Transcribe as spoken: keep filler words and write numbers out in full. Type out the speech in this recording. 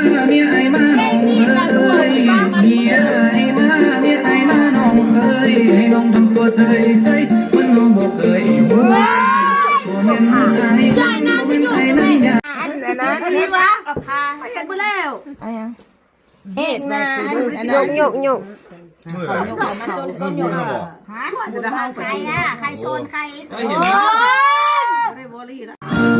เมียไอ้มาน้องเอ้ยเมียไอ้มาเมียไอ้มาน้องเอ้ยให้น้องทำตัวเสยเสยมันน้องบอกเคยหัวตัวเมียไอ้ไอ้น้ำเป็นไอ้น้ำยาอันนั้นนี่วะกับพาเห็นไปแล้วอะไรยังเห็ดมาอันนั้นยกยกยกยกมาชนก้นยกฮะใครอ่ะใครชนใครโอ้ยไม่บริละ